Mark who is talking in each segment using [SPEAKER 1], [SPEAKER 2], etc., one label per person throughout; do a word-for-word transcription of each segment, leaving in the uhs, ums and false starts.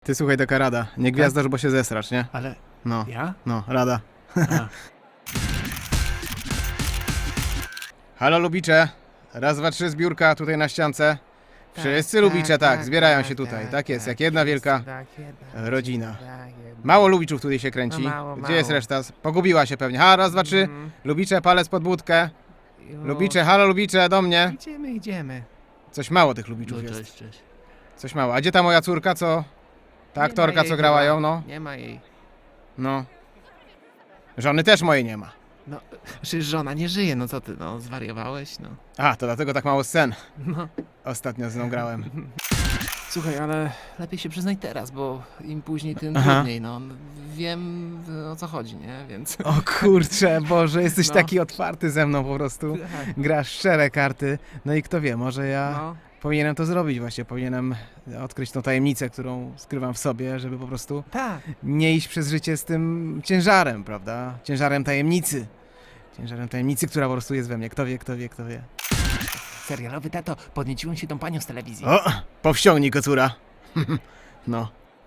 [SPEAKER 1] Ty słuchaj, taka rada. Nie gwiazdasz, bo się zesrasz, nie?
[SPEAKER 2] Ale
[SPEAKER 1] No,
[SPEAKER 2] ja?
[SPEAKER 1] no, rada.
[SPEAKER 2] A.
[SPEAKER 1] Halo Lubicze. Raz, dwa, trzy, zbiórka tutaj na ściance. Wszyscy
[SPEAKER 3] Tak,
[SPEAKER 1] Lubicze, tak,
[SPEAKER 3] tak,
[SPEAKER 1] zbierają
[SPEAKER 3] tak,
[SPEAKER 1] się tutaj.
[SPEAKER 3] tak,
[SPEAKER 1] Tak jest,
[SPEAKER 3] tak,
[SPEAKER 1] jak jedna
[SPEAKER 3] wszyscy,
[SPEAKER 1] wielka
[SPEAKER 3] tak, jedna
[SPEAKER 1] rodzina.
[SPEAKER 3] tak, jedna.
[SPEAKER 1] Mało Lubiczów tutaj się kręci.
[SPEAKER 3] No mało,
[SPEAKER 1] Gdzie
[SPEAKER 3] mało.
[SPEAKER 1] jest reszta? Pogubiła się pewnie. Ha, raz, dwa, trzy.
[SPEAKER 3] Mhm.
[SPEAKER 1] Lubicze, palec pod budkę.
[SPEAKER 3] Już.
[SPEAKER 1] Lubicze, halo Lubicze, do mnie.
[SPEAKER 3] Idziemy, idziemy.
[SPEAKER 1] Coś mało tych Lubiczów
[SPEAKER 2] No,
[SPEAKER 1] jest.
[SPEAKER 2] cześć, cześć.
[SPEAKER 1] Coś mało. A gdzie ta moja córka, co? Ta
[SPEAKER 3] Nie
[SPEAKER 1] aktorka,
[SPEAKER 3] ma jej
[SPEAKER 1] co grała
[SPEAKER 3] chyba.
[SPEAKER 1] ją, no?
[SPEAKER 3] Nie ma jej.
[SPEAKER 1] No. Żony też mojej nie ma.
[SPEAKER 3] No, przecież żona nie żyje, no co ty, no, zwariowałeś, no.
[SPEAKER 1] A, to dlatego tak mało scen.
[SPEAKER 3] No.
[SPEAKER 1] Ostatnio z nią grałem.
[SPEAKER 3] Słuchaj, ale lepiej się przyznaj teraz, bo im później, tym
[SPEAKER 1] Aha.
[SPEAKER 3] trudniej, no. Wiem o co chodzi, nie? Więc...
[SPEAKER 1] O kurczę, Boże, jesteś
[SPEAKER 3] No.
[SPEAKER 1] taki otwarty ze mną po prostu.
[SPEAKER 3] Tak.
[SPEAKER 1] Grasz szczere karty. No i kto wie, może ja
[SPEAKER 3] No.
[SPEAKER 1] powinienem to zrobić właśnie. Powinienem odkryć tą tajemnicę, którą skrywam w sobie, żeby po prostu
[SPEAKER 3] Tak.
[SPEAKER 1] nie iść przez życie z tym ciężarem, prawda? Ciężarem tajemnicy. Ciężarem tajemnicy, która po prostu jest we mnie. Kto wie, kto wie, kto wie.
[SPEAKER 3] Serialowy tato, podnieciłem się tą panią z telewizji.
[SPEAKER 1] O, powściągnij kocura. No.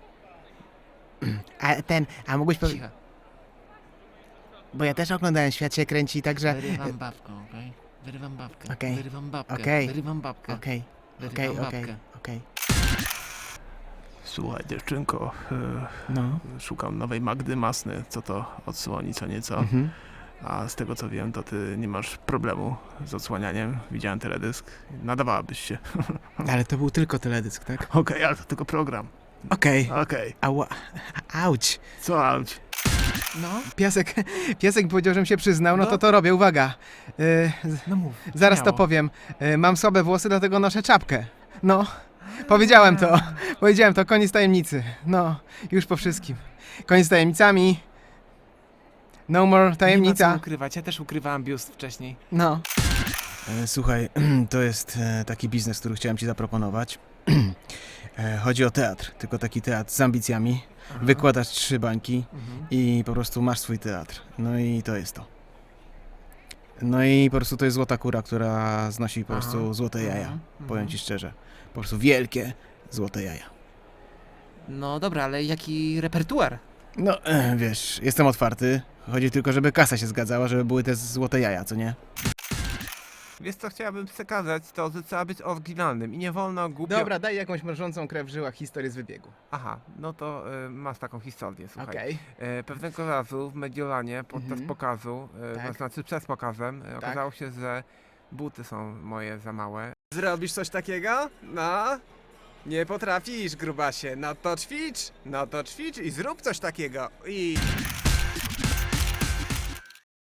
[SPEAKER 1] A ten, a mógłbyś powiedzieć...
[SPEAKER 3] Cicho.
[SPEAKER 1] Bo ja też oglądałem Świat się kręci, także...
[SPEAKER 3] Wyrywam babkę, okej? Wyrywam babkę.
[SPEAKER 1] Okej.
[SPEAKER 3] Wyrywam babkę.
[SPEAKER 1] Okej.
[SPEAKER 3] Wyrywam babkę.
[SPEAKER 1] Okej, okej,
[SPEAKER 3] Wyrywam
[SPEAKER 1] okej,
[SPEAKER 3] babkę.
[SPEAKER 1] okej.
[SPEAKER 2] Słuchaj, dziewczynko, e,
[SPEAKER 1] No.
[SPEAKER 2] szukam nowej Magdy Masny, co to odsłoni co nieco.
[SPEAKER 1] Mhm.
[SPEAKER 2] A z tego co wiem, to ty nie masz problemu z odsłanianiem. Widziałem teledysk. Nadawałabyś się.
[SPEAKER 1] Ale to był tylko teledysk, tak?
[SPEAKER 2] Okej, ale to tylko program.
[SPEAKER 1] Okej.
[SPEAKER 2] Okej.
[SPEAKER 1] Ała. Auć.
[SPEAKER 2] Co, auć?
[SPEAKER 3] No,
[SPEAKER 1] Piasek, piasek powiedział, żebym się przyznał, no
[SPEAKER 3] No.
[SPEAKER 1] to to robię, uwaga. Y, z-
[SPEAKER 3] no mów.
[SPEAKER 1] zaraz to
[SPEAKER 3] śmiało.
[SPEAKER 1] powiem. Y, mam słabe włosy, dlatego noszę czapkę. No, powiedziałem to. Powiedziałem to, koniec tajemnicy. No, już po wszystkim. Koniec z tajemnicami. No more
[SPEAKER 3] Nie ma co
[SPEAKER 1] tajemnica.
[SPEAKER 3] ukrywać, ja też ukrywałem biust wcześniej.
[SPEAKER 1] No. E, słuchaj, to jest e, taki biznes, który chciałem ci zaproponować. E, chodzi o teatr, tylko taki teatr z ambicjami.
[SPEAKER 3] Aha.
[SPEAKER 1] Wykładasz trzy bańki
[SPEAKER 3] Mhm.
[SPEAKER 1] i po prostu masz swój teatr. No i to jest to. No i po prostu to jest złota kura, która znosi po
[SPEAKER 3] Aha.
[SPEAKER 1] prostu złote jaja.
[SPEAKER 3] Mhm.
[SPEAKER 1] Powiem ci szczerze. Po prostu wielkie złote jaja.
[SPEAKER 3] No dobra, ale jaki repertuar?
[SPEAKER 1] No, e, wiesz, jestem otwarty. Chodzi tylko, żeby kasa się zgadzała, żeby były te złote jaja, co nie?
[SPEAKER 4] Wiesz co chciałabym przekazać, to że trzeba być oryginalnym i nie wolno głupio...
[SPEAKER 1] Dobra, daj jakąś mrożącą krew w żyłach historię z wybiegu.
[SPEAKER 4] Aha, no to y, masz taką historię, słuchaj.
[SPEAKER 1] Okej.
[SPEAKER 4] E, pewnego razu w Mediolanie podczas
[SPEAKER 1] Mhm.
[SPEAKER 4] pokazu, e,
[SPEAKER 1] Tak.
[SPEAKER 4] to znaczy przed pokazem, e, okazało się, że buty są moje za małe.
[SPEAKER 5] Zrobisz coś takiego? No? Nie potrafisz, grubasie. No to ćwicz, no to ćwicz i zrób coś takiego. I...